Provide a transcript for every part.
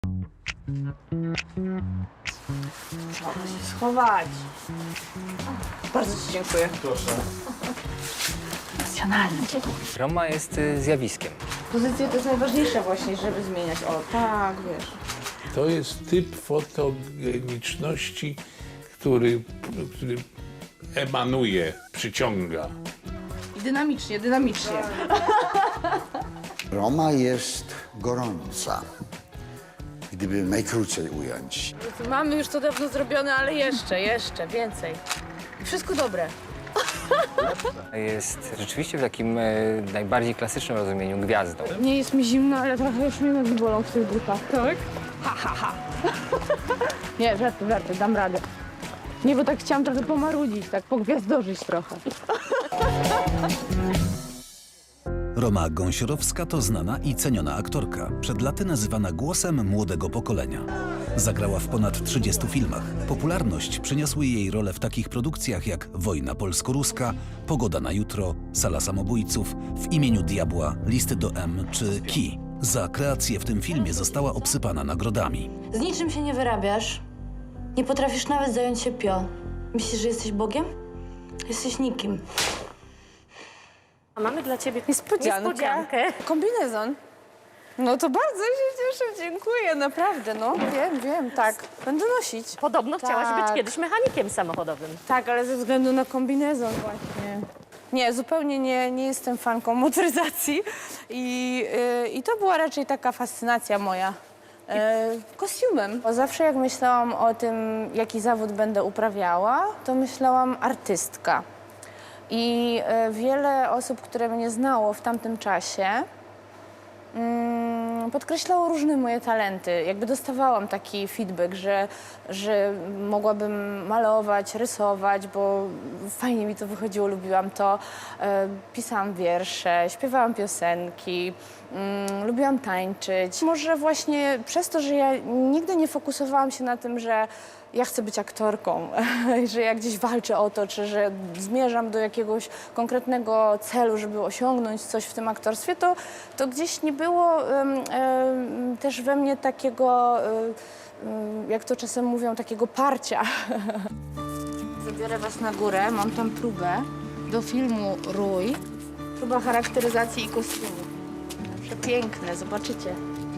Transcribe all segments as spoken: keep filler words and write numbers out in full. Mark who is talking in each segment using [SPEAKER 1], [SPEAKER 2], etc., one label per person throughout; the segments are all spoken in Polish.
[SPEAKER 1] Można się schować. Bardzo ci dziękuję.
[SPEAKER 2] Proszę.
[SPEAKER 1] Emocjonalny.
[SPEAKER 3] Roma jest y, zjawiskiem.
[SPEAKER 1] Pozycje to jest najważniejsze właśnie, żeby zmieniać. O, tak, wiesz.
[SPEAKER 4] To jest typ fotogeniczności, który, który emanuje, przyciąga.
[SPEAKER 1] I dynamicznie, dynamicznie.
[SPEAKER 5] Roma jest gorąca, gdyby najkrócej ująć.
[SPEAKER 1] Mamy już to dawno zrobione, ale jeszcze, jeszcze, więcej. Wszystko dobre.
[SPEAKER 3] Jest rzeczywiście w takim y, najbardziej klasycznym rozumieniu gwiazdą.
[SPEAKER 1] Nie jest mi zimno, ale trochę już mnie nogi bolą w tych butach. Tak? Ha, ha, ha. Nie, żarty, żarty, dam radę. Nie, bo tak chciałam trochę pomarudzić, tak pogwiazdorzyć trochę.
[SPEAKER 6] Roma Gąsiorowska to znana i ceniona aktorka, przed laty nazywana głosem młodego pokolenia. Zagrała w ponad trzydziestu filmach. Popularność przyniosły jej role w takich produkcjach jak Wojna polsko-ruska, Pogoda na jutro, Sala samobójców, W imieniu diabła, Listy do M czy Ki. Za kreację w tym filmie została obsypana nagrodami.
[SPEAKER 7] Z niczym się nie wyrabiasz. Nie potrafisz nawet zająć się pio. Myślisz, że jesteś Bogiem? Jesteś nikim.
[SPEAKER 8] A mamy dla ciebie
[SPEAKER 1] Niespodziankę.
[SPEAKER 8] niespodziankę.
[SPEAKER 1] Kombinezon. No to bardzo się cieszę, dziękuję, naprawdę, no. Wiem, wiem, tak. Będę nosić.
[SPEAKER 8] Podobno chciałaś
[SPEAKER 1] Tak.
[SPEAKER 8] być kiedyś mechanikiem samochodowym.
[SPEAKER 1] Tak, ale ze względu na kombinezon właśnie. Nie, zupełnie nie, nie jestem fanką motoryzacji i, yy, i to była raczej taka fascynacja moja. Yy, kostiumem. Bo zawsze jak myślałam o tym, jaki zawód będę uprawiała, to myślałam artystka. I yy, wiele osób, które mnie znało w tamtym czasie, Mm, podkreślało różne moje talenty. Jakby dostawałam taki feedback, że, że mogłabym malować, rysować, bo fajnie mi to wychodziło, lubiłam to. E, pisałam wiersze, śpiewałam piosenki, mm, lubiłam tańczyć. Może właśnie przez to, że ja nigdy nie fokusowałam się na tym, że ja chcę być aktorką, że ja gdzieś walczę o to, czy że zmierzam do jakiegoś konkretnego celu, żeby osiągnąć coś w tym aktorstwie, to, to gdzieś nie było um, um, też we mnie takiego, um, jak to czasem mówią, takiego parcia. Zabiorę was na górę, mam tam próbę do filmu Rój. Próba charakteryzacji i kostiumu. Przepiękne, zobaczycie.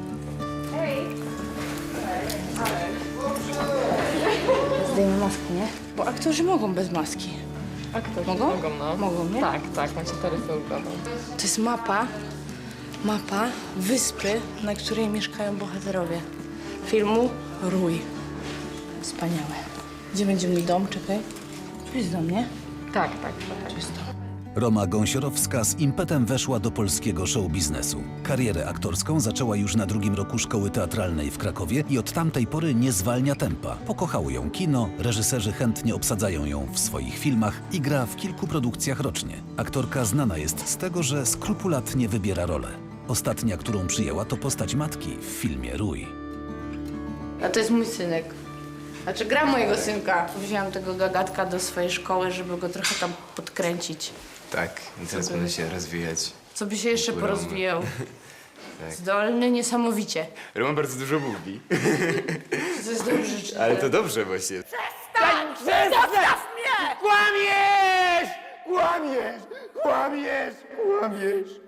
[SPEAKER 1] Zdejmę maskę, nie? Bo aktorzy mogą bez maski.
[SPEAKER 9] Aktorzy
[SPEAKER 1] Mogą?
[SPEAKER 9] mogą, no.
[SPEAKER 1] Mogą, nie?
[SPEAKER 9] Tak, tak, macie taryfę ulgową.
[SPEAKER 1] To jest mapa, mapa wyspy, na której mieszkają bohaterowie filmu Rój. Wspaniałe. Gdzie będzie mój dom? Czekaj. Tu jest dom, nie?
[SPEAKER 9] Tak, tak, tak.
[SPEAKER 1] Tu jest dom.
[SPEAKER 6] Roma Gąsiorowska z impetem weszła do polskiego show-biznesu. Karierę aktorską zaczęła już na drugim roku szkoły teatralnej w Krakowie i od tamtej pory nie zwalnia tempa. Pokochało ją kino, reżyserzy chętnie obsadzają ją w swoich filmach i gra w kilku produkcjach rocznie. Aktorka znana jest z tego, że skrupulatnie wybiera rolę. Ostatnia, którą przyjęła, to postać matki w filmie Rój.
[SPEAKER 1] A to jest mój synek. Znaczy gra mojego synka. Wziąłam tego gagatka do swojej szkoły, żeby go trochę tam podkręcić.
[SPEAKER 2] Tak, i teraz będę się rozwijać.
[SPEAKER 1] Co by się jeszcze
[SPEAKER 2] Roma.
[SPEAKER 1] porozwijał.
[SPEAKER 2] Tak.
[SPEAKER 1] Zdolny niesamowicie.
[SPEAKER 2] Roman bardzo dużo mówi.
[SPEAKER 1] To jest dobrze, czy
[SPEAKER 2] Ale to dobrze właśnie.
[SPEAKER 1] Zostaw mnie!
[SPEAKER 2] Kłamiesz! Kłamiesz! Kłamiesz! Kłamiesz!